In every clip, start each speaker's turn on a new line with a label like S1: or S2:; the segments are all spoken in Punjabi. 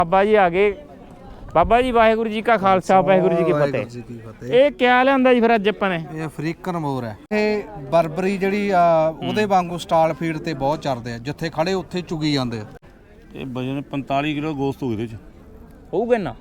S1: ਬਾਬਾ ਜੀ ਆ ਗਏ। ਬਾਬਾ ਜੀ ਵਾਹਿਗੁਰੂ ਜੀ ਕਾ ਖਾਲਸਾ ਵਾਹਿਗੁਰੂ ਜੀ ਕੀ ਫਤਿਹ। ਇਹ ਕਿਆ ਲਿਆਂਦਾ ਜੀ ਫਿਰ ਅੱਜ ਆਪਾਂ ਨੇ?
S2: ਇਹ ਅਫਰੀਕਨ ਮੋਰ ਹੈ। ਇਹ ਬਰਬਰੀ ਜਿਹੜੀ ਆ ਉਹਦੇ ਵਾਂਗੂ ਸਟਾਲ ਫੀਡ ਤੇ ਬਹੁਤ ਚੜਦੇ ਆ, ਜਿੱਥੇ ਖੜੇ ਉੱਥੇ ਚੁਗੀ ਜਾਂਦੇ ਆ।
S3: ਇਹ ਵਜਨ 45 ਕਿਲੋ ਗੋਸ਼ਤ ਹੋਊ ਇਹਦੇ ਚ
S1: ਹੋਊਗਾ ਨਾ।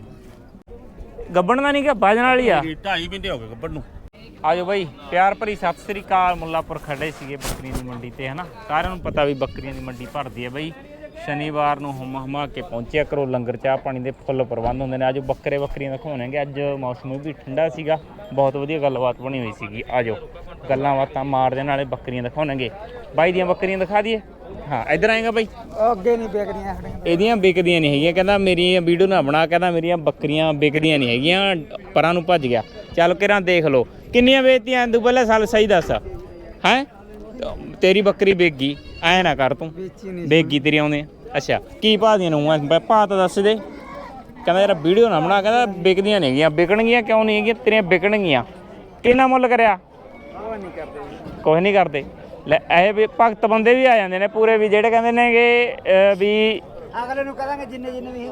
S1: ਗੱਬਣ ਦਾ ਨਹੀਂ ਕਿ ਵਜਨ ਵਾਲੀ ਆ।
S3: 2.5 ਮਹੀਨੇ ਹੋ ਗਏ ਗੱਬਣ ਨੂੰ।
S1: ਆਜੋ ਬਾਈ, ਪਿਆਰ ਭਰੀ ਸਤਿ ਸ੍ਰੀ ਅਕਾਲ। ਮੁੱਲਾਪੁਰ ਖੜੇ ਸੀਗੇ ਬੱਕਰੀਆਂ ਦੀ ਮੰਡੀ ਤੇ ਹਨਾ। ਸਾਰਿਆਂ ਨੂੰ ਪਤਾ ਵੀ ਬੱਕਰੀਆਂ ਦੀ ਮੰਡੀ ਭਰਦੀ ਹੈ ਬਾਈ। ਸ਼ਨੀਵਾਰ ਨੂੰ ਹਮਾ ਕੇ ਪਹੁੰਚਿਆ ਕਰੋ। ਲੰਗਰ ਚਾਹ ਪਾਣੀ ਦੇ ਫੁੱਲ ਪ੍ਰਬੰਧ ਹੁੰਦੇ ਨੇ। ਅੱਜ ਬੱਕਰੀਆਂ ਦਿਖਾਉਣਗੇ। ਅੱਜ ਮੌਸਮ ਵੀ ਠੰਡਾ ਸੀਗਾ, ਬਹੁਤ ਵਧੀਆ ਗੱਲਬਾਤ ਬਣੀ ਹੋਈ ਸੀਗੀ। ਆਜੋ ਗੱਲਾਂ ਬਾਤਾਂ ਮਾਰਦੇ ਨਾਲੇ ਬੱਕਰੀਆਂ ਦਿਖਾਉਣਗੇ। ਬਾਈ ਦੀਆਂ ਬੱਕਰੀਆਂ ਦਿਖਾ ਦਈਏ। ਹਾਂ ਇੱਧਰ ਆਏਗਾ ਬਾਈ।
S2: ਅੱਗੇ ਨਹੀਂ ਵਿਕਦੀਆਂ
S1: ਇਹਦੀਆਂ ਵਿਕਦੀਆਂ ਨਹੀਂ ਹੈਗੀਆਂ। ਕਹਿੰਦਾ ਮੇਰੀ ਵੀਡੀਓ ਨਾ ਬਣਾ, ਕਹਿੰਦਾ ਮੇਰੀਆਂ ਬੱਕਰੀਆਂ ਵਿਕਦੀਆਂ ਨਹੀਂ ਹੈਗੀਆਂ। ਪਰਾਂ ਨੂੰ ਭੱਜ ਗਿਆ। ਚੱਲ ਕਿਰਾਂ ਦੇਖ ਲਓ ਕਿੰਨੀਆਂ ਵੇਚਤੀਆਂ ਤੂੰ ਪਹਿਲਾਂ ਸਾਲ ਸਹੀ ਦੱਸ ਹੈ। ਤੇਰੀ ਬੱਕਰੀ ਵਿਕ ਗਈ ਐ ਨਾ ਕਰ ਤੂੰ। ਵਿਕ ਗਈ ਤੇਰੀ ਆਉਂਦੇ। ਅੱਛਾ ਕੀ ਭਾਅ ਦੀਆਂ ਨੂੰ ਭਾਅ ਤਾਂ ਦੱਸ ਦੇ। ਕਹਿੰਦਾ ਯਾਰ ਵੀਡੀਓ ਨਾ ਬਣਾ, ਕਹਿੰਦਾ ਵਿਕਦੀਆਂ ਨਹੀਂ ਹੈਗੀਆਂ। ਵਿਕਣਗੀਆਂ ਕਿਉਂ ਨਹੀਂ ਹੈਗੀਆਂ? ਤੇਰੀਆਂ ਵਿਕਣਗੀਆਂ। ਕਿੰਨਾ ਮੁੱਲ ਕਰਿਆ? ਕੁਛ ਨਹੀਂ ਕਰਦੇ। ਲੈ ਇਹ ਵੀ ਭਗਤ ਬੰਦੇ ਵੀ ਆ ਜਾਂਦੇ ਨੇ ਪੂਰੇ, ਵੀ ਜਿਹੜੇ ਕਹਿੰਦੇ ਨੇਗੇ ਵੀ
S2: ਅਗਲੇ ਨੂੰ ਕਹਾਂਗੇ ਜਿੰਨੇ ਵੀ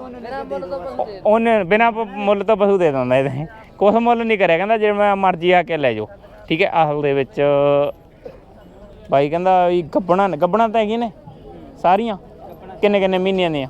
S1: ਉਹਨੇ ਬਿਨਾਂ ਮੁੱਲ ਤੋਂ ਪਸ਼ੂ ਦੇ ਦਿੰਦਾ। ਇਹਦੇ ਕੁਛ ਮੁੱਲ ਨਹੀਂ ਕਰਿਆ। ਕਹਿੰਦਾ ਜਿਵੇਂ ਮਰਜ਼ੀ ਆ ਕੇ ਲੈ ਜਾਓ। ਠੀਕ ਹੈ। ਅਸਲ ਦੇ ਵਿੱਚ ਬਾਈ ਕਹਿੰਦਾ ਵੀ ਗੱਬਣਾ ਤਾਂ ਹੈਗੀਆਂ ਨੇ ਸਾਰੀਆਂ। ਕਿੰਨੇ ਮਹੀਨਿਆਂ ਦੀਆਂ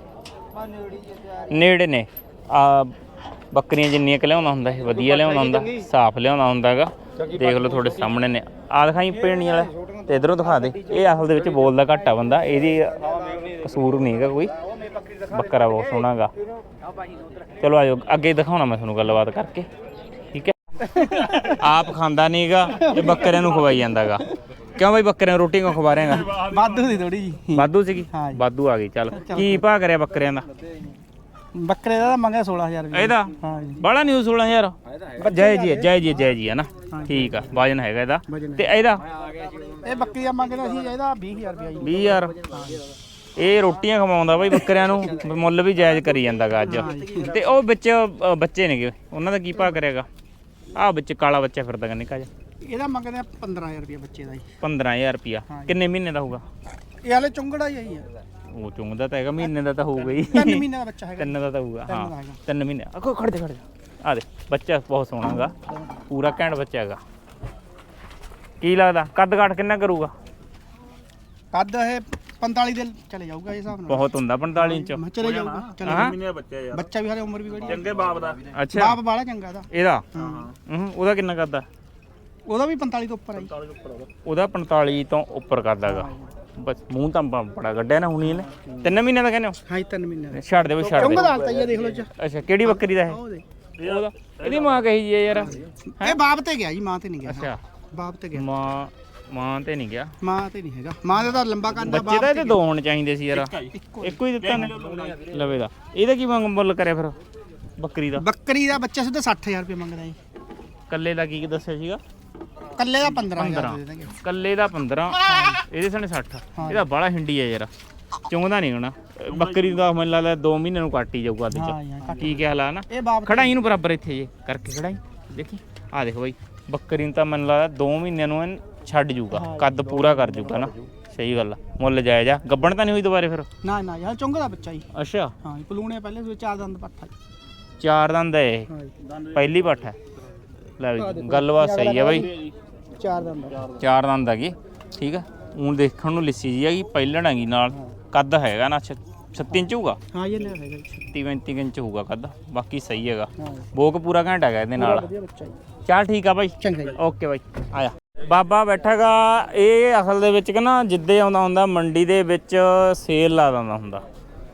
S1: ਨੇੜੇ ਨੇ। ਆ ਬੱਕਰੀਆਂ ਜਿੰਨੀਆਂ ਕਿ ਲਿਆਉਂਦਾ ਹੁੰਦਾ ਇਹ ਵਧੀਆ ਲਿਆਉਂਦਾ ਹੁੰਦਾ, ਸਾਫ਼ ਲਿਆਉਂਦਾ ਹੁੰਦਾ ਹੈਗਾ। ਦੇਖ ਲਓ ਤੁਹਾਡੇ ਸਾਹਮਣੇ ਨੇ। ਆ ਦਿਖਾਈ ਪੇਣੀ ਵਾਲਾ ਤੇ ਇਧਰੋਂ ਦਿਖਾ ਦੇ। ਇਹ ਅਸਲ ਦੇ ਵਿੱਚ ਬੋਲਦਾ ਘੱਟ ਆ ਬੰਦਾ, ਇਹਦੀ ਕਸੂਰ ਨਹੀਂ ਹੈਗਾ ਕੋਈ। ਬੱਕਰਾ ਬਹੁਤ ਸੋਹਣਾ ਗਾ। ਚਲੋ ਆਜੋ ਅੱਗੇ ਦਿਖਾਉਣਾ ਮੈਂ ਤੁਹਾਨੂੰ ਗੱਲਬਾਤ ਕਰਕੇ। ਠੀਕ ਹੈ। ਆਪ ਖਾਂਦਾ ਨਹੀਂ ਗਾ, ਇਹ ਬੱਕਰਿਆਂ ਨੂੰ ਖਵਾਈ ਜਾਂਦਾ ਗਾ। ਕਿਉਂ ਬਾਈ ਬੱਕਰਿਆਂ ਨੂੰ ਰੋਟੀ ਕਿਉਂ ਖਵਾ ਰਹੇਗਾ?
S2: ਵਾਧੂ ਦੀ ਥੋੜੀ ਜੀ।
S1: ਵਾਧੂ ਸੀਗੀ? ਵਾਧੂ ਆ ਗਈ। ਚੱਲ ਕੀ ਭਾਅ ਕਰਿਆ ਬੱਕਰਿਆਂ ਦਾ?
S2: ਬੱਕਰੇ ਦਾ ਮੰਗਿਆ 16000 ਰੁਪਏ।
S1: ਇਹਦਾ ਬੜਾ ਨਿਊ 16000 ਜੈ ਜੀ ਹੈ ਨਾ। ਠੀਕ ਆ। ਵਜਨ ਹੈਗਾ ਇਹਦਾ। ਤੇ ਇਹਦਾ
S2: ਇਹ ਬੱਕਰੀ ਦਾ ਮੰਗਦਾ ਸੀ, ਇਹਦਾ 20000 ਰੁਪਏ।
S1: 20000 ਇਹ ਰੋਟੀਆਂ ਖਵਾਉਂਦਾ ਬਾਈ ਬੱਕਰਿਆਂ ਨੂੰ। ਮੁੱਲ ਵੀ ਜਾਇਜ਼ ਕਰੀ ਜਾਂਦਾਗਾ ਅੱਜ। ਤੇ ਉਹ ਵਿੱਚ ਬੱਚੇ ਨੇਗੇ, ਉਹਨਾਂ ਦਾ ਕੀ ਭਾਅ ਕਰਿਆਗਾ? ਆਹ ਵਿੱਚ ਕਾਲਾ ਬੱਚਾ ਫਿਰਦਾ ਨਿੱਕਾ ਜਿਹਾ।
S2: ਇਹਦਾ ਮੰਗਦੇ ਆ 15000 ਰੁਪਏ ਬੱਚੇ ਦਾ ਜੀ।
S1: 15000 ਰੁਪਿਆ। ਕਿੰਨੇ ਮਹੀਨੇ ਦਾ ਹੋਊਗਾ? ਇਹ
S2: ਹਾਲੇ ਚੁੰਗੜਾ ਹੀ ਆਈ ਆ।
S1: ਉਹ ਚੁੰਗਦਾ ਤਾਂ ਹੈਗਾ, ਮਹੀਨੇ ਦਾ ਤਾਂ ਹੋਊਗਾ ਹੀ।
S2: 3 ਮਹੀਨੇ ਦਾ ਬੱਚਾ ਹੈਗਾ।
S1: 3 ਦਾ ਤਾਂ ਹੋਊਗਾ। ਹਾਂ 3 ਮਹੀਨੇ। ਆਖੋ ਖੜ ਜਾ ਆ ਦੇ। ਬੱਚਾ ਬਹੁਤ ਸੋਹਣਾ ਹੈਗਾ, ਪੂਰਾ ਘੈਂਟ ਬੱਚਾ ਹੈਗਾ। ਕੀ ਲੱਗਦਾ ਕੱਦ ਕਾਠ ਕਿੰਨਾ ਕਰੂਗਾ?
S2: ਕੱਦ ਇਹ 45 ਦੇ ਚਲੇ ਜਾਊਗਾ ਇਹ ਹਿਸਾਬ ਨਾਲ।
S1: ਬਹੁਤ ਹੁੰਦਾ 45 ਇੰਚ
S2: ਚਲੇ ਜਾਊਗਾ।
S3: ਮਹੀਨੇ ਬੱਚਾ ਯਾਰ।
S2: ਬੱਚਾ ਵੀ ਹਾਲੇ ਉਮਰ ਵੀ ਬੜੀ
S3: ਚੰਗੇ ਬਾਪ ਦਾ।
S1: ਅੱਛਾ
S2: ਬਾਪ ਬਾਲਾ ਚੰਗਾ ਇਹਦਾ।
S1: ਇਹਦਾ ਉਹਦਾ ਕਿੰਨਾ ਕਰਦਾ?
S2: ਉਹਦਾ ਵੀ 45 ਤੋਂ ਉੱਪਰ ਆ ਜੀ।
S1: ਉਹਦਾ 45 ਤੋਂ ਉੱਪਰ ਕਰਦਾ ਹੈਗਾ। ਬਸ ਮੂੰਹ ਤਾਂ ਬੜਾ ਗੱਡਿਆ ਨਾ ਹੁਣੀ ਇਹਨੇ। 3 ਮਹੀਨੇ ਦਾ ਕਹਿੰਦੇ ਹੋ?
S2: ਹਾਂ 3 ਮਹੀਨੇ ਦਾ।
S1: ਛੱਡ ਦੇ ਬਈ ਛੱਡ ਦੇ।
S2: ਚੁੰਗ ਦਾ ਹਾਲਤ ਦੇਖ ਲਓ ਜੀ।
S1: ਅੱਛਾ ਕਿਹੜੀ ਬੱਕਰੀ ਦਾ ਇਹ? ਉਹਦਾ ਇਹਦੀ ਮਾਂ ਕਹੀ ਜੀ ਯਾਰ।
S2: ਇਹ ਬਾਪ ਤੇ ਗਿਆ ਜੀ, ਮਾਂ ਤੇ ਨਹੀਂ ਗਿਆ।
S1: ਅੱਛਾ
S2: ਬਾਪ ਤੇ ਗਿਆ।
S1: ਮਾਂ ਤੇ ਨਹੀਂ ਗਿਆ।
S2: ਮਾਂ ਤੇ ਨਹੀਂ ਹੈਗਾ। ਮਾਂ ਦੇ ਤਾਂ ਲੰਬਾ ਕੰਨ ਆ।
S1: ਬੱਚੇ ਦਾ ਇਹਦੇ 2 ਹੋਣੇ ਚਾਹੀਦੇ ਸੀ ਯਾਰ। ਇੱਕੋ ਹੀ ਦਿੱਤਾ ਨੇ ਲਵੇ ਦਾ। ਇਹਦਾ ਕੀ ਮੁੱਲ ਕਰਿਆ ਫਿਰ ਬੱਕਰੀ ਦਾ? ਬੱਕਰੀ ਦਾ ਬੱਚਾ ਸਿੱਧਾ 60000 ਰੁਪਏ ਮੰਗਦਾ ਜੀ। ਕੱਲੇ ਦਾ ਕੀ ਦੱਸਿਆ ਸੀਗਾ?
S2: ਕੱਲੇ ਦਾ 15000 ਦੇ ਦੇਣਗੇ।
S1: ਕੱਲੇ ਦਾ 15। ਇਹਦੇ ਸਾਨੇ 60। ਇਹਦਾ ਬਾਲਾ ਹਿੰਡੀ ਆ ਯਾਰ, ਚੁੰਗਦਾ ਨਹੀਂ ਹੋਣਾ। ਬੱਕਰੀ ਦਾ ਮੈਨੂੰ ਲੱਗਦਾ 2 ਮਹੀਨੇ ਨੂੰ ਕੱਟ ਹੀ ਜਾਊਗਾ ਅੱਜ। ਕੀ ਕਿਹਾ ਲਾ ਨਾ ਖੜਾਈ ਨੂੰ ਬਰਾਬਰ ਇੱਥੇ ਜੇ ਕਰਕੇ ਖੜਾਈ। ਦੇਖੀ ਆ ਦੇਖੋ ਬਾਈ, ਬੱਕਰੀ ਨੂੰ ਤਾਂ ਮੈਨੂੰ ਲੱਗਦਾ 2 ਮਹੀਨਿਆਂ ਨੂੰ ਛੱਡ ਜੂਗਾ, ਕੱਦ ਪੂਰਾ ਕਰ ਜੂਗਾ ਨਾ। ਸਹੀ ਗੱਲ ਆ। ਮੁੱਲ ਜਾਇਜ਼ ਆ। ਗੱਬਣ ਤਾਂ ਨਹੀਂ ਹੋਈ ਦੁਬਾਰੇ ਫਿਰ?
S2: ਨਾ ਯਾਰ ਚੁੰਗ ਦਾ ਬੱਚਾ ਜੀ। ਅੱਛਾ ਹਾਂ ਪਲੂਣੇ ਪਹਿਲੇ ਸੋ 4 ਦੰਦ ਪੱਠਾ।
S1: 4 ਦੰਦ ਹੈ ਇਹ, ਪਹਿਲੀ ਪੱਠ ਹੈ। ਲੈ ਵੀ ਗੱਲਬਾਤ ਸਹੀ ਹੈ ਬਾਈ।
S2: 4 ਦੰਦ
S1: 4 ਦੰਦ ਹੈਗੀ। ਠੀਕ ਆ। ਹੁਣ ਦੇਖਣ ਨੂੰ ਲਿੱਸੀ ਜੀ ਹੈਗੀ, ਪਹਿਲਣ ਹੈਗੀ ਨਾਲ। ਕੱਦ ਹੈਗਾ ਨਾ 36 ਇੰਚ ਹੋਊਗਾ।
S2: ਹਾਂ ਇਹ ਨਾ ਹੈਗਾ
S1: 36-35 ਇੰਚ ਹੋਊਗਾ ਕੱਦ। ਬਾਕੀ ਸਹੀ ਹੈਗਾ। ਬੋਕ ਪੂਰਾ ਘੰਟਾ ਹੈਗਾ ਇਹਦੇ ਨਾਲ।
S2: ਵਧੀਆ ਬੱਚਾ ਜੀ।
S1: ਚੱਲ ਠੀਕ ਆ ਬਾਈ।
S2: ਚੰਗਾ ਜੀ।
S1: ਓਕੇ ਬਾਈ ਆਇਆ। ਬਾਬਾ ਬੈਠਾਗਾ। ਇਹ ਅਸਲ ਦੇ ਵਿੱਚ ਨਾ ਜਿੱਦੇ ਆਉਂਦਾ ਹੁੰਦਾ ਮੰਡੀ ਦੇ ਵਿੱਚ ਸੇਲ ਲਾ ਦਿੰਦਾ ਹੁੰਦਾ।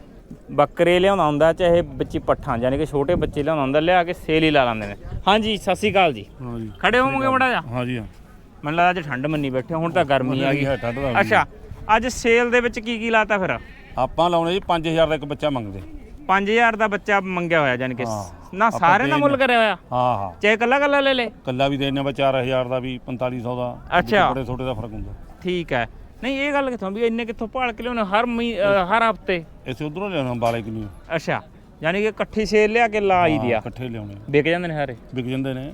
S1: ਬੱਕਰੇ ਲਿਆਉਂਦਾ ਹੁੰਦਾ, ਚਾਹੇ ਬੱਚੀ ਪੱਠਾਂ ਯਾਨੀ ਕਿ ਛੋਟੇ ਬੱਚੇ ਲਿਆਉਂਦਾ ਹੁੰਦਾ, ਲਿਆ ਕੇ ਸੇਲ ਹੀ ਲਾ ਲੈਂਦੇ ਨੇ। ਹਾਂਜੀ ਸਤਿ ਸ਼੍ਰੀ ਅਕਾਲ ਜੀ।
S3: ਹਾਂਜੀ
S1: ਖੜੇ ਹੋਵੋਗੇ ਮੜਾ ਜਾ?
S3: ਹਾਂਜੀ ਹਾਂ।
S1: ਮੈਨੂੰ ਲੱਗਦਾ ਅੱਜ ਠੰਡ ਮੰਨੀ ਬੈਠੇ, ਹੁਣ ਤਾਂ ਗਰਮੀ ਆ ਗਈ। ਅੱਛਾ ਅੱਜ ਸੇਲ ਦੇ ਵਿੱਚ ਕੀ ਲਾਤਾ ਫਿਰ?
S3: ਆਪਾਂ ਲਾਉਣੇ ਜੀ 5000 ਦਾ ਇੱਕ ਬੱਚਾ ਮੰਗਦੇ।
S1: 5000 ਦਾ ਬੱਚਾ ਮੰਗਿਆ ਹੋਇਆ ਯਾਨੀ ਕਿ ਨਾ ਸਾਰਿਆਂ ਦਾ ਮੁੱਲ ਕਰਿਆ ਹੋਇਆ?
S3: ਹਾਂ
S1: ਚਾਹੇ ਕੱਲਾ ਲੈ ਲੈ।
S3: ਕੱਲਾ ਵੀ ਦੇਣਾ ਵਾ 4000 ਦਾ ਵੀ 4500 ਦਾ।
S1: ਅੱਛਾ
S3: ਬੜੇ ਛੋਟੇ ਦਾ ਫਰਕ ਹੁੰਦਾ।
S1: ਠੀਕ ਹੈ। ਨਹੀਂ ਇਹ ਗੱਲ ਕਿੱਥੋਂ ਵੀ ਇੰਨੇ ਕਿੱਥੋਂ ਭਾਲ ਕੇ ਲਿਆਉਣੇ ਹਰ ਹਫਤੇ?
S3: ਇਸੇ ਉਧਰੋਂ ਲਿਆਉਣਾ ਬਾਲੇ ਕਿ ਨਹੀਂ।
S1: ਅੱਛਾ ਯਾਨੀ ਕਿ ਇਕੱਠੀ ਸੇਲ ਲਿਆ ਕੇ ਲਾ ਹੀ ਦਿਆ।
S3: ਇਕੱਠੇ ਲਿਆਉਣੇ
S1: ਵਿਕ ਜਾਂਦੇ ਨੇ ਸਾਰੇ?
S3: ਵਿਕ ਜਾਂਦੇ ਨੇ।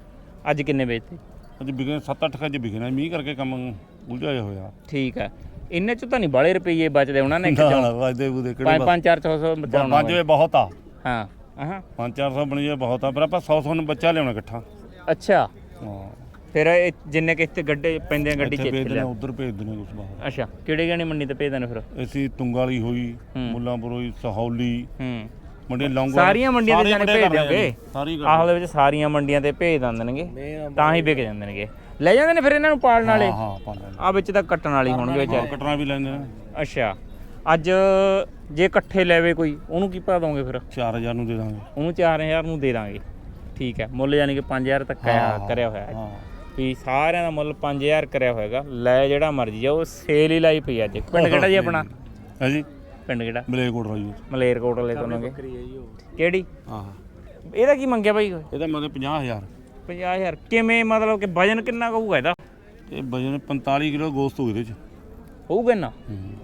S1: ਅੱਜ ਕਿੰਨੇ ਵੇਚਤੇ?
S3: ਅੱਜ ਵਿਕਣੇ 7-8 ਕੱਜ ਵਿਕਣਾ। ਮੀਂਹ ਕਰਕੇ ਕੰਮ ਉਲਝਿਆ ਹੋਇਆ।
S1: ਠੀਕ ਹੈ। ਇੰਨੇ ਚ ਤਾਂ ਨਹੀਂ ਬਾਲੇ ਰੁਪਏ ਬਚਦੇ ਉਹਨਾਂ ਨੇ
S3: ਨਾ ਵਾਜਦੇ ਬੂਦੇ ਕਿਹੜੇ
S1: 5-400 ਬਚਾਉਣਾ
S3: ਪੰਜ ਵੇ ਬਹੁਤ ਆ
S1: ਹਾਂ ਹਾਂ
S3: 5-400 ਬਣੀ ਜੇ ਬਹੁਤ ਆ ਪਰ ਆਪਾਂ 100 ਨੂੰ ਬੱਚਾ ਲਿਆਉਣਾ ਇਕੱਠਾ
S1: ਅੱਛਾ
S3: ਹਾਂ
S1: ਫਿਰ ਜਿੰਨੇ ਕਿਤੇ ਗੱਡੇ ਪੈਂਦੇ ਆ ਗੱਡੀ ਚ
S3: ਇੱਥੇ
S1: ਇੱਥੇ
S3: ਭੇਜ
S1: ਲਿਆ
S3: ਦੇਣੇ ਉਧਰ ਭੇਜ ਦੇਣੇ ਕੁਛ ਬਾਹਰ
S1: ਅੱਛਾ ਕਿਹੜੇ ਗਾਣੀ ਮੰਡੀ ਤੇ ਭੇਜਦੇ ਨੇ ਫਿਰ
S3: ਅਸੀਂ ਤੁੰਗ ਵਾਲੀ ਹੋਈ ਮੁੱਲਾਂਪੁਰ ਹੋਈ ਸਹੌਲੀ
S1: ਹੂੰ
S3: ਮੰਡੀ ਲੌਂਗੋ
S1: ਸਾਰੀਆਂ ਮੰਡੀਆਂ ਤੇ ਜਾਣੇ ਭੇਜ ਦਿਓਗੇ
S3: ਸਾਰੀ
S1: ਆਹਲ ਦੇ ਵਿੱਚ ਸਾਰੀਆਂ ਮੰਡੀਆਂ ਤੇ ਭੇਜ ਦਿੰਦੇ ਨੇਗੇ ਤਾਂ ਹੀ ਵਿਕ ਜਾਂਦੇ ਨੇਗੇ ਲੈ ਜਾਂਦੇ ਨੇ ਫਿਰ ਇਹਨਾਂ ਨੂੰ ਪਾਲਣ ਵਾਲੇ
S3: ਹਾਂ ਪਾ ਲੈਂਦੇ
S1: ਆ ਵਿੱਚ ਤਾਂ ਕੱਟਣ ਵਾਲੀ ਹੋਣਗੇ ਵਿਚਾਰੇ
S3: ਕਟਣਾ ਵੀ ਲੈਂਦੇ ਨੇ
S1: ਅੱਛਾ ਅੱਜ ਜੇ ਇਕੱਠੇ ਲੈਵੇ ਕੋਈ ਉਹਨੂੰ ਕੀ ਪਾ ਦੋਗੇ ਫਿਰ
S3: 4000 ਨੂੰ ਦੇ ਦਾਂਗੇ
S1: ਉਹਨੂੰ 4000 ਨੂੰ ਦੇ ਦਾਂਗੇ ਠੀਕ ਹੈ ਮੁੱਲ ਯਾਨੀ ਕਿ 5000 ਤੱਕ ਕਰਿਆ ਹੋਇਆ ਹੈ
S3: ਹਾਂ
S1: ਵੀ ਸਾਰਿਆਂ ਦਾ ਮੁੱਲ 5000 ਕਰਿਆ ਹੋਏਗਾ ਲੈ ਜਿਹੜਾ ਮਰਜ਼ੀ ਆ ਉਹ ਸੇਲ ਹੀ ਲਾਈ ਪਈ ਅੱਜ ਪਿੰਡ ਕਿਹੜਾ ਜੀ ਆਪਣਾ
S3: ਹੈ ਜੀ
S1: ਪਿੰਡ ਕਿਹੜਾ
S3: ਮਲੇਰਕੋਟ ਰਾਈ
S1: ਮਲੇਰਕੋਟਲੇ ਤੋਂ ਨੇਗੇ ਕਿਹੜੀ
S3: ਹਾਂ
S1: ਇਹਦਾ ਕੀ ਮੰਗਿਆ ਬਾਈ
S3: ਇਹਦਾ ਮਤਲਬ 50000
S1: 50000 ਕਿਵੇਂ ਮਤਲਬ ਕਿ ਵਜਨ ਕਿੰਨਾ ਕੁ ਹੋਊਗਾ ਇਹਦਾ
S3: ਇਹ ਵਜਨ 45 ਕਿਲੋ ਗੋਸ਼ਤ ਹੋ ਇਹਦੇ ਚ
S1: ਹੋਊਗਾ ਨਾ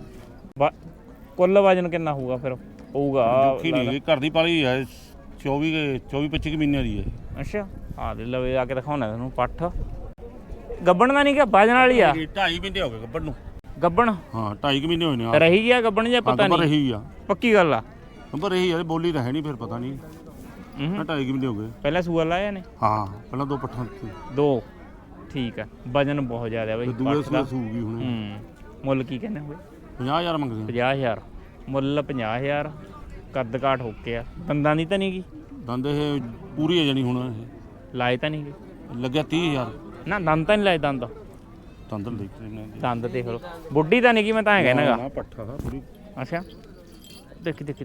S1: ਕੁੱਲ ਵਜਨ ਕਿੰਨਾ ਹੋਊਗਾ ਫਿਰ ਹੋਊਗਾ
S3: ਕੀ ਨਹੀਂ ਘਰ ਦੀ ਪਾਲੀ ਹੈ 24-25 ਮਹੀਨਿਆਂ ਦੀ ਹੈ
S1: ਅੱਛਾ ਆ ਦੇ ਲਵੇ ਆ ਕੇ ਦਿਖਾਉਣਾ ਤੁਹਾਨੂੰ ਪੱਠ ਗੱਬਣ ਦਾ ਨਹੀਂ ਕਿ ਵਜਨ ਵਾਲੀ ਆ
S3: 2.5 ਮਹੀਨੇ ਹੋ ਗਏ ਗੱਬਣ ਨੂੰ
S1: ਗੱਬਣ
S3: ਹਾਂ 2.5 ਮਹੀਨੇ ਹੋਏ ਨੇ
S1: ਰਹੀ ਗਿਆ ਗੱਬਣ ਜਾਂ ਪਤਾ
S3: ਨੰਬਰ
S1: ਨਹੀਂ
S3: ਇਹੀ ਆ
S1: ਪੱਕੀ ਗੱਲ ਆ
S3: ਨੰਬਰ ਇਹੀ ਆ ਬੋਲੀ ਤਾਂ ਹੈ ਨਹੀਂ ਫਿਰ ਪਤਾ ਨਹੀਂ 2.5 ਮਹੀਨੇ ਹੋ ਗਏ
S1: ਪਹਿਲਾਂ ਸੂਆ ਲਾਇਆ ਨੇ
S3: ਹਾਂ ਪਹਿਲਾਂ 2 ਪੱਠਾਂ ਸੀ
S1: ਦੋ ਠੀਕ ਆ ਵਜਨ ਬਹੁਤ ਜ਼ਿਆਦਾ ਬਈ
S3: ਦੂਏ
S1: ਪੱਠ ਦਾ
S3: ਸੂਗੀ ਹੁਣ
S1: ਮੁੱਲ ਕੀ ਕਹਿੰਦੇ ਹੋਏ
S3: 50000 ਮੰਗਦੇ
S1: 50000 ਮੁੱਲ 50000 ਕੱਦ ਕਾਠ ਹੋ ਕੇ ਆ ਦੰਦਾਂ ਦੀ ਤਾਂ ਨਹੀਂ ਗੀ
S3: ਦੰਦ ਇਹ ਪੂਰੀ ਹੈ ਜਾਨੀ ਹੁਣ ਇਹ
S1: ਲਾਏ ਤਾਂ ਨਹੀਂ ਗੇ
S3: ਲੱਗਿਆ 30000
S1: ਨਾ ਦੰਦ ਤਾਂ ਨਹੀਂ ਲਾਏ ਦੰਦ
S3: ਦੰਦ ਦੇਖ ਲੈਣੇ
S1: ਦੰਦ ਦੇਖ ਲਓ ਬੁੱਢੀ ਤਾਂ ਨਹੀਂ ਗੀ ਮੈਂ ਤਾਂ ਐ ਕਹਿਣਾਗਾ
S3: ਨਾ ਪੱਠਾ ਦਾ ਪੂਰੀ
S1: ਅੱਛਾ ਦੇਖੀ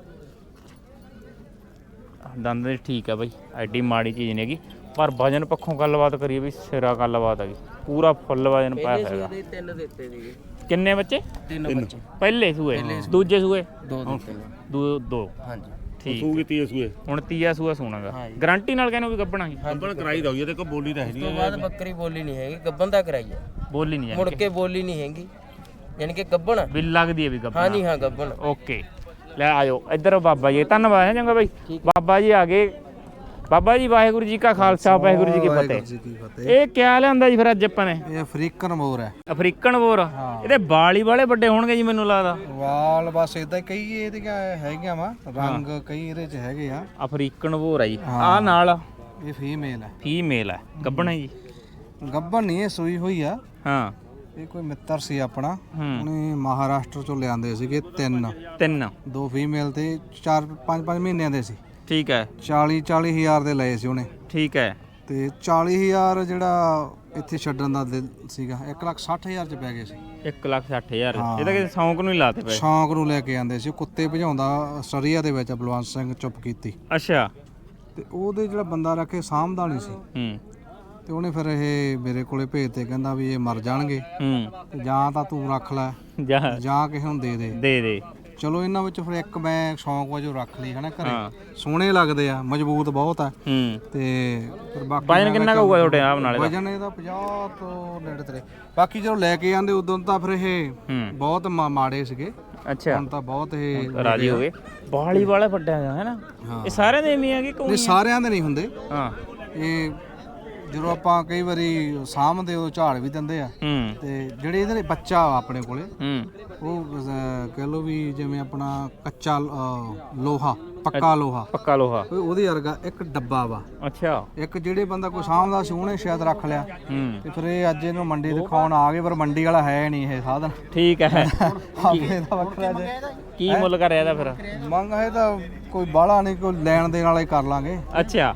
S1: ਦੰਦ ਦੇ ਠੀਕ ਆ ਬਈ ਐਡੀ ਮਾੜੀ ਚੀਜ਼ ਨਹੀਂ ਹੈਗੀ ਪਰ ਵਜਨ ਪੱਖੋਂ ਗੱਲਬਾਤ ਕਰੀਏ ਵੀ ਸਿਰਾ ਗੱਲਬਾਤ ਹੈਗੀ ਪੂਰਾ ਫੁੱਲ ਵਜਨ ਪਾਇਆ ਹੈਗਾ
S4: ਤਿੰਨ ਦਿੱਤੇ ਸੀਗੇ
S1: ਕਿੰਨੇ ਬੱਚੇ
S4: ਤਿੰਨ ਬੱਚੇ
S1: ਪਹਿਲੇ ਸੂਏ ਦੂਜੇ ਸੂਏ
S4: ਦੋ ਦਿੱਤੇ ਨੇ
S1: ਦੋ
S4: ਹਾਂਜੀ
S1: ਠੀਕ
S3: ਸੂਗੀ 30 ਸੂਏ
S1: ਹੁਣ ਤੀਆ ਸੂਆ ਸੋਣਾਗਾ ਗਾਰੰਟੀ ਨਾਲ ਕਹਿੰਦੇ ਵੀ ਗੱਬਣਾ ਸੀ
S3: ਗੱਬਣ ਕਰਾਈ ਦਊ ਇਹਦੇ ਕੋ ਬੋਲੀ ਤਾਂ ਹੈ
S4: ਉਸ ਤੋਂ
S3: ਨਹੀਂ
S4: ਬਾਅਦ ਬੱਕਰੀ ਬੋਲੀ ਨਹੀਂ ਹੈਗੀ ਗੱਬਨ ਦਾ ਕਰਾਈ ਹੈ
S1: ਬੋਲੀ ਨਹੀਂ
S4: ਮੁੜ
S1: ਜਾਂਦੀ
S4: ਕੇ ਬੋਲੀ ਨਹੀਂ ਹੈਗੀ ਯਾਨੀ ਕਿ ਗੱਬਨ
S1: ਵੀ ਲੱਗਦੀ ਹੈ ਵੀ ਗੱਬਣਾ
S4: ਹਾਂਜੀ ਹਾਂ ਗੱਬਨ
S1: ਓਕੇ ਲੈ ਆਇਓ ਇੱਧਰ ਬਾਬਾ ਜੀ ਧੰਨਵਾਦ ਹੈ ਚੰਗਾ ਬਾਈ ਬਾਬਾ ਜੀ ਆ ਗਏ ਬਾਬਾ ਜੀ ਵਾਹਿਗੁਰੂ ਜੀ ਕਾ ਖਾਲਸਾ ਵਾਹਿਗੁਰੂ ਜੀ ਕੀ ਫਤਿਹ ਇਹ ਕਿਆ ਲਿਆਂਦਾ ਜੀ ਫਿਰ ਅੱਜ ਆਪਾਂ ਨੇ
S2: ਇਹ ਅਫਰੀਕਨ ਮੋਰ ਹੈ
S1: ਅਫਰੀਕਨ ਬੋਰ ਇਹਦੇ ਵਾਲ ਹੀ ਵਾਲੇ ਵੱਡੇ ਹੋਣਗੇ ਜੀ ਮੈਨੂੰ ਲੱਗਦਾ
S2: ਵਾਲ ਬਸ ਇਦਾਂ ਕਈ ਇਹਦੀਆਂ ਹੈਗੀਆਂ ਵਾ ਰੰਗ ਕਈ ਇਹਦੇ ਚ ਹੈਗੇ ਆ
S1: ਅਫਰੀਕਨ ਬੋਰ ਆ ਜੀ ਆ ਨਾਲ
S2: ਇਹ ਫੀਮੇਲ ਹੈ
S1: ਫੀਮੇਲ ਹੈ ਗੱਬਣ ਹੈ ਜੀ
S2: ਗੱਭਣ ਨਹੀਂ ਇਹ ਸੂਈ ਹੋਈ ਆ
S1: ਹਾਂ
S2: ਇਹ ਕੋਈ ਮਿੱਤਰ ਸੀ ਆਪਣਾ ਉਹਨੇ ਮਹਾਰਾਸ਼ਟਰ ਚੋਂ ਲਿਆਂਦੇ ਸੀਗੇ
S1: ਤਿੰਨ
S2: ਦੋ ਫੀਮੇਲ ਤੇ 4-5 ਮਹੀਨਿਆਂ ਦੇ ਸੀ
S1: ਠੀਕ ਹੈ
S2: 40 ਹਜ਼ਾਰ ਦੇ ਲਏ ਸੀ ਉਹਨੇ
S1: ਠੀਕ ਹੈ
S2: ਤੇ 40,000 ਜਿਹੜਾ ਇੱਥੇ ਛੱਡਣ ਦਾ ਦਿਲ ਸੀਗਾ 1,60,000 ਚ ਪੈ ਗਏ ਸੀ
S1: 1,60,000 ਇਹਦਾ ਕਿਸੇ ਸ਼ੌਂਕ ਨੂੰ ਹੀ ਲਾਤੇ ਪਏ
S2: ਸ਼ੌਂਕ ਨੂੰ ਲੈ ਕੇ ਆਂਦੇ ਸੀ ਉਹ ਕੁੱਤੇ ਭਜਾਉਂਦਾ ਸਰੀਆ ਦੇ ਵਿੱਚ ਬਲਵੰਤ ਸਿੰਘ ਚੁੱਪ ਕੀਤੀ
S1: ਅੱਛਾ
S2: ਤੇ ਉਹਦੇ ਜਿਹੜਾ ਬੰਦਾ ਰੱਖੇ ਸਾਂਭਦਾ ਨਹੀਂ ਸੀ ਤੇ ਉਹਨੇ ਫਿਰ ਇਹ ਮੇਰੇ ਕੋਲੇ ਭੇਜਤੇ ਕਹਿੰਦਾ ਵੀ ਇਹ ਮਰ ਜਾਣਗੇ ਤੇ ਜਾਂ ਤਾਂ ਤੂੰ ਰੱਖ ਲੈ ਜਾਂ ਕਿਸੇ ਨੂੰ ਦੇ
S1: ਦੇ
S2: ਚਲੋ ਇਹਨਾਂ ਵਿੱਚ ਫਿਰ ਇੱਕ ਮੈਂ ਸ਼ੌਂਕ ਵਜੋਂ ਰੱਖ ਲਈ ਹਨਾ ਘਰੇ ਸੋਹਣੇ ਲੱਗਦੇ ਆ ਮਜ਼ਬੂਤ ਬਹੁਤ ਆ ਤੇ ਫਿਰ ਬਾਕੀ
S1: ਵਜਨ ਕਿੰਨਾ ਹੋਊਗਾ ਤੁਹਾਡੇ ਆਪ ਨਾਲ
S2: ਵਜਨ ਇਹਦਾ 50 ਤੋਂ ਨੇੜੇ ਤੇਰੇ ਬਾਕੀ ਜਦੋਂ ਲੈ ਕੇ ਆਂਦੇ ਉਦੋਂ ਤਾਂ ਫਿਰ ਇਹ ਬਹੁਤ ਮਾੜੇ ਸੀਗੇ
S1: ਅੱਛਾ
S2: ਹੁਣ ਤਾਂ ਬਹੁਤ ਇਹ
S1: ਰਾਜੀ ਹੋ ਗਏ ਬਾਲੀ ਵਾਲੇ ਵੱਡਿਆ ਹੈ ਨਾ ਇਹ ਸਾਰਿਆਂ ਦੇ ਐਵੇਂ ਆ ਕਿ ਕੋਈ
S2: ਨਹੀਂ ਸਾਰਿਆਂ ਦੇ ਨਹੀਂ ਹੁੰਦੇ
S1: ਹਾਂ
S2: ਇਹ ਜਦੋਂ ਆਪਾਂ ਕਈ ਵਾਰੀ ਸਾਂਭਦੇ ਉਹ ਝਾੜ ਵੀ ਦਿੰਦੇ ਆ ਤੇ ਜਿਹੜੇ ਇਹਦੇ ਬੱਚਾ ਆਪਣੇ ਕੋਲੇ ਉਹ ਕਹਿ ਲੋ ਵੀ ਜਿਵੇਂ ਆਪਣਾ ਕੱਚਾ ਲੋਹਾ ਪੱਕਾ ਲੋਹਾ ਉਹਦੇ ਵਰਗਾ ਇੱਕ ਡੱਬਾ ਵਾ
S1: ਅੱਛਾ ਇੱਕ
S2: ਜਿਹੜੇ ਬੰਦਾ ਕੋਈ ਸਾਂਭਦਾ ਸੀ ਉਹਨੇ ਸ਼ਾਇਦ ਰੱਖ ਲਿਆ ਤੇ ਫਿਰ ਇਹ ਅੱਜ ਇਹਨੂੰ ਮੰਡੀ ਦਿਖਾਉਣ ਆ ਗਏ ਪਰ ਮੰਡੀ ਵਾਲਾ ਹੈ ਨਹੀਂ ਇਹ ਸਾਧਨ
S1: ਠੀਕ ਹੈ
S2: ਆਪਣੇ ਦਾ ਵੱਖਰਾ ਜੇ
S1: ਕੀ ਮੁੱਲ ਕਰਿਆ ਇਹਦਾ ਫਿਰ
S2: ਮੰਗ ਹੈ ਤਾਂ ਕੋਈ ਬਾਹਲਾ ਨਹੀਂ ਕੋਈ ਲੈਣ ਦੇਣ ਵਾਲਾ ਹੀ ਕਰ ਲਾਂਗੇ
S1: ਅੱਛਾ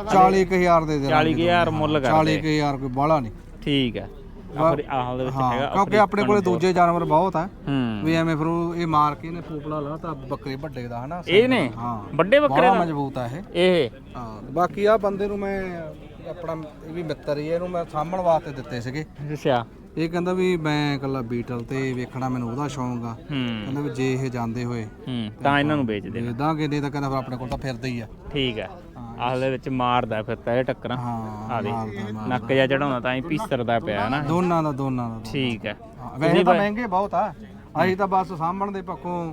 S2: 40,000 ਦੇ ਦੇ
S1: 40,000 ਮੁੱਲ ਕਰਦੇ
S2: 40,000 ਕੋਈ ਬਾਹਲਾ ਨਹੀਂ
S1: ਠੀਕ ਹੈ ਫਿਰ ਆਹ ਦੇ ਵਿੱਚ ਹੈਗਾ
S2: ਕਿਉਂਕਿ ਆਪਣੇ ਕੋਲੇ ਦੂਜੇ ਜਾਨਵਰ ਬਹੁਤ ਆ ਵੀ ਐਵੇਂ ਫਿਰ ਇਹ ਮਾਰ ਕੇ ਇਹਨੇ ਫੂਪਲਾ ਲਾ ਤਾਂ ਬੱਕਰੇ ਵੱਡੇ ਦਾ ਹਨਾ
S1: ਇਹ ਨੇ ਵੱਡੇ ਬੱਕਰੇ
S2: ਦਾ ਮਜ਼ਬੂਤ ਆ ਇਹ ਹਾਂ ਬਾਕੀ ਆ ਬੰਦੇ ਨੂੰ ਮੈਂ ਆਪਣਾ ਇਹ ਵੀ ਮਿੱਤਰ ਹੀ ਇਹਨੂੰ ਮੈਂ ਸਾਂਭਣ ਵਾਸਤੇ ਦਿੱਤੇ ਸੀਗੇ
S1: ਅੱਛਾ
S2: ਇਹ ਕਹਿੰਦਾ ਵੀ ਮੈਂ ਇਕੱਲਾ ਬੀਟਲ ਤੇ ਵੇਖਣਾ ਮੈਨੂੰ ਉਹਦਾ ਸ਼ੌਂਕ ਆ ਕਹਿੰਦਾ ਵੀ ਜੇ ਇਹ ਜਾਂਦੇ ਹੋਏ
S1: ਤਾਂ ਇਹਨਾਂ ਨੂੰ ਵੇਚ ਦੇ
S2: ਦਾਂਗੇ ਨਹੀਂ ਤਾਂ ਕਹਿੰਦਾ ਫਿਰ ਆਪਣੇ ਕੋਲ ਤਾਂ ਫਿਰਦਾ ਹੀ ਆ
S1: ਠੀਕ ਹੈ ਆਹਲੇ ਵਿੱਚ ਮਾਰਦਾ ਫਿਰ ਤਾਂ ਇਹ ਟੱਕਰਾਂ ਆ ਦੇ ਨੱਕ ਜਾ ਚੜਾਉਂਦਾ ਤਾਂ ਹੀ ਪੀਸਰਦਾ ਪਿਆ ਨਾ
S2: ਦੋਨਾਂ ਦਾ
S1: ਠੀਕ ਹੈ
S2: ਵੈਸੇ ਤਾਂ ਮਹਿੰਗੇ ਬਹੁਤ ਆ ਅਸੀਂ ਤਾਂ ਬਸ ਸਾਂਭਣ ਦੇ ਪੱਖੋਂ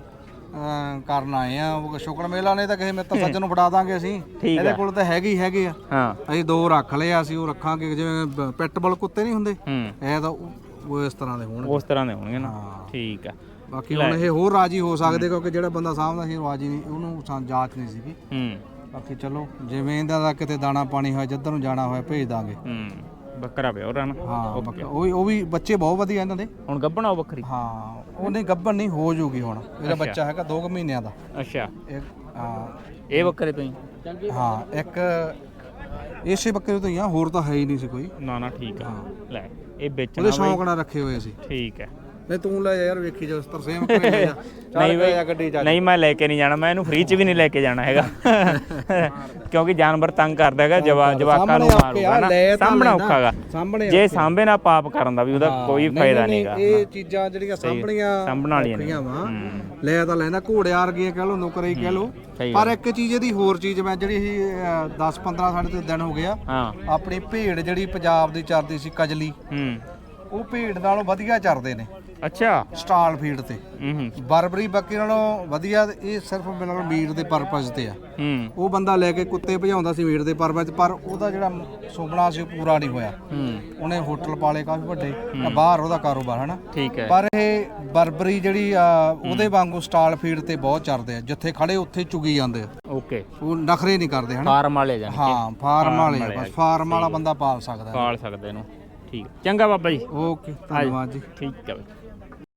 S2: ਕਰਨ ਆਏ ਆ ਉਹ ਸ਼ੁਕਰ ਮੇਲਾ ਨੇ ਤਾਂ ਕਿਸੇ ਮਿੱਤਰ ਸੱਜਣ ਨੂੰ ਫੜਾ ਦਾਂਗੇ ਅਸੀਂ ਇਹਦੇ ਕੋਲ ਤਾਂ ਹੈਗੇ ਆ
S1: ਹਾਂ
S2: ਅਸੀਂ ਦੋ ਰੱਖ ਲਏ ਆ ਅਸੀਂ ਉਹ ਰੱਖਾਂਗੇ ਜਿਵੇਂ ਪਿਟਬੁਲ ਕੁੱਤੇ ਨਹੀਂ ਹੁੰਦੇ ਇਹ ਤਾਂ ਉਹ ਇਸ ਤਰ੍ਹਾਂ ਦੇ ਹੋਣਗੇ।
S1: ਉਸ ਤਰ੍ਹਾਂ ਦੇ ਹੋਣਗੇ ਨਾ।
S2: ਹਾਂ।
S1: ਠੀਕ ਆ।
S2: ਬਾਕੀ ਹੁਣ ਇਹ ਹੋਰ ਰਾਜੀ ਹੋ ਸਕਦੇ ਕਿਉਂਕਿ ਜਿਹੜਾ ਬੰਦਾ ਸਾਹਮਣਾ ਸੀ ਰਾਜੀ ਨਹੀਂ, ਉਹਨੂੰ ਜਾਂਚ ਨਹੀਂ ਸੀਗੀ। ਬਾਕੀ ਚਲੋ ਜਿਵੇਂ ਇਹਦਾ ਦਾ ਕਿਤੇ ਦਾਣਾ ਪਾਣੀ ਹੋਇਆ, ਜਿੱਧਰ ਨੂੰ ਜਾਣਾ ਹੋਇਆ ਭੇਜ ਦਾਂਗੇ।
S1: ਬੱਕਰਾ ਪਿਆ ਉਹਨਾਂ
S2: ਹਾਂ ਉਹ ਵੀ ਬੱਚੇ ਬਹੁਤ ਵਧੀਆ ਇਹਨਾਂ ਦੇ।
S1: ਹੁਣ ਗੱਭਣਾ ਉਹ ਬੱਕਰੀ?
S2: ਹਾਂ ਉਹ ਨਹੀਂ ਗੱਭਣ ਨਹੀਂ ਹੋ ਜੂਗੀ ਹੁਣ। ਇਹਦਾ ਬੱਚਾ ਹੈਗਾ 2 ਮਹੀਨਿਆਂ ਦਾ।
S1: ਅੱਛਾ।
S2: ਹਾਂ
S1: ਇਹ ਬੱਕਰੇ ਤੋਂ ਹੀ?
S2: ਹਾਂ ਇੱਕ ਇਸੇ ਬੱਕਰੇ ਤੋਂ ਹੀ ਆ, ਹੋਰ ਤਾਂ ਹੈ ਹੀ ਨਹੀਂ ਸੀ ਕੋਈ।
S1: ਨਾ ਠੀਕ ਆ। ਲੈ ਇਹ ਵੇਚਣਾ
S2: ਉਹਦੇ ਸ਼ੌਂਕ ਨਾਲ ਰੱਖੇ ਹੋਏ ਸੀ।
S1: ਠੀਕ ਹੈ।
S2: ਨਹੀਂ ਤੂੰ ਲੈ ਜਾ ਯਾਰ, ਵੇਖੀ ਜਾ ਤਰਸੇਮ ਕਰੇ ਲੈ ਜਾ।
S1: ਨਹੀਂ ਬਈ
S2: ਗੱਡੀ ਚ
S1: ਨਹੀਂ ਮੈਂ ਲੈ ਕੇ ਨਹੀਂ ਜਾਣਾ, ਮੈਂ ਇਹਨੂੰ ਫ੍ਰੀ ਚ ਵੀ ਨਹੀਂ ਲੈ ਕੇ ਜਾਣਾ ਹੈਗਾ ਕਿਉਂਕਿ ਜਾਨਵਰ ਤੰਗ ਕਰਦਾ ਹੈਗਾ, ਜਵਾਕਾਂ ਨੂੰ ਮਾਰੂਗਾ ਨਾ, ਸਾਹਮਣਾ ਔਖਾ ਹੈਗਾ। ਜੇ ਸਾਂਭੇ ਨਾ ਪਾਪ ਕਰਨ ਦਾ ਵੀ ਉਹਦਾ ਕੋਈ ਫਾਇਦਾ ਨਹੀਂਗਾ।
S2: ਇਹ ਚੀਜ਼ਾਂ ਜਿਹੜੀਆਂ ਸਾਂਭਣ ਵਾਲੀਆਂ ਨੇ ਲੈ ਤਾਂ ਲੈਂਦਾ, ਘੋੜੇ ਵਰਗੀਆਂ ਕਹਿ ਲੋ, ਨੌਕਰੀ ਕਹਿ ਲੋ। ਪਰ ਇੱਕ ਚੀਜ਼ ਇਹਦੀ ਹੋਰ ਚੀਜ਼, ਮੈਂ ਜਿਹੜੀ 10-15 ਸਾਡੇ ਤੇ ਦਿਨ ਹੋ ਗਿਆ ਆਪਣੀ ਭੇਡ ਜਿਹੜੀ ਪੰਜਾਬ ਦੀ ਚਰਦੀ ਸੀ ਕਜਲੀ, ਉਹ ਭੇਡ ਨਾਲੋਂ ਵਧੀਆ ਚਰਦੇ ਨੇ।
S1: ਅੱਛਾ।
S2: ਸਟਾਲ ਫੀਡ ਤੇ ਬਰਬਰੀ ਬੱਕਰੀ ਨਾਲੋਂ ਵਧੀਆ। ਇਹ ਸਿਰਫ ਬਿਲਕੁਲ ਮੀਟ ਦੇ ਪਰਪਸ ਤੇ ਆ। ਉਹ ਬੰਦਾ ਲੈ ਕੇ ਕੁੱਤੇ ਭਜਾਉਂਦਾ ਸੀ ਮੀਟ ਦੇ ਪਰਪਸ, ਪਰ ਉਹਦਾ ਜਿਹੜਾ ਸੁਪਨਾ ਸੀ ਉਹ ਪੂਰਾ ਨਹੀਂ ਹੋਇਆ। ਉਹਨੇ ਹੋਟਲ ਪਾਲੇ ਕਾਫੀ ਵੱਡੇ, ਬਾਹਰ ਉਹਦਾ ਕਾਰੋਬਾਰ ਹਨਾ।
S1: ਠੀਕ ਹੈ।
S2: ਪਰ ਇਹ ਬਰਬਰੀ ਜਿਹੜੀ ਆ ਉਹਦੇ ਵਾਂਗੂ ਸਟਾਲ ਫੀਡ ਤੇ ਬਹੁਤ ਚਰਦੇ ਆ, ਜਿੱਥੇ ਖੜੇ ਉੱਥੇ ਚੁਗੀ ਜਾਂਦੇ ਆ।
S1: ਓਕੇ।
S2: ਉਹ ਨਖਰੇ ਨਹੀਂ ਕਰਦੇ ਹਨਾ।
S1: ਫਾਰਮ ਵਾਲੇ ਜਾਨ।
S2: ਹਾਂ ਫਾਰਮ ਵਾਲੇ, ਬਸ ਫਾਰਮ ਵਾਲਾ ਬੰਦਾ ਪਾਲ ਸਕਦਾ।
S1: ਪਾਲ ਸਕਦੇ ਇਹਨੂੰ। ਠੀਕ ਚੰਗਾ ਬਾਬਾ ਜੀ।
S2: ਓਕੇ ਧੰਨਵਾਦ ਜੀ।
S1: ਠੀਕ ਹੈ।